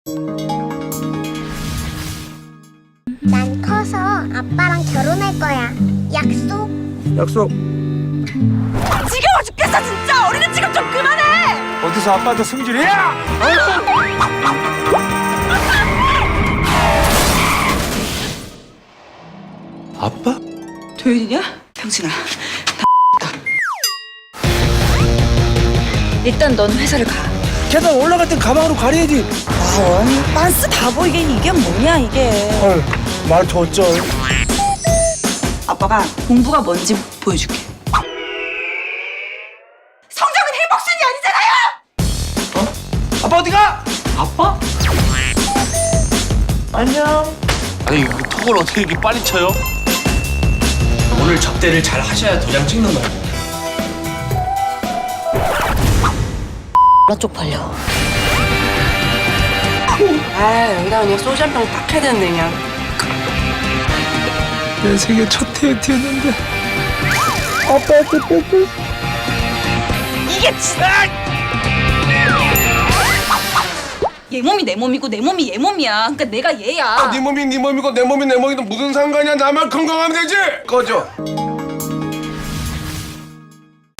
난 커서 아빠랑 결혼할 거야. 약속? 약속. 지겨워 죽겠어 진짜. 어린애 취급 좀 그만해. 어디서 아빠한테 승질이야? 아빠? 도윤이냐? 병진아. 일단 넌 회사를 가. 계단 올라갈 땐 가방으로 가려야지. 빤스 다 보이게 이게 뭐냐 이게. 헐, 말더 어쩔. 아빠가 공부가 뭔지 보여줄게. 성적은 행복순이 아니잖아요. 아빠 어디가? 아빠? 안녕. 아니 그 턱을 어떻게 이렇게 빨리 쳐요? 오늘 접대를 잘 하셔야 도장 찍는 거예요. 나 쪽팔려. 아 여기다 그냥 소주 한 병 딱 해야 되는데 그냥. 내 생애 첫 데이트였는데 아빠한테 뺏겼어. 이게 진짜. 얘 몸이 내 몸이고 내 몸이 얘 몸이야. 그러니까 내가 얘야. 네 몸이 네 몸이고 내 몸이 내 몸이고 무슨 상관이야. 나만 건강하면 되지. 꺼져.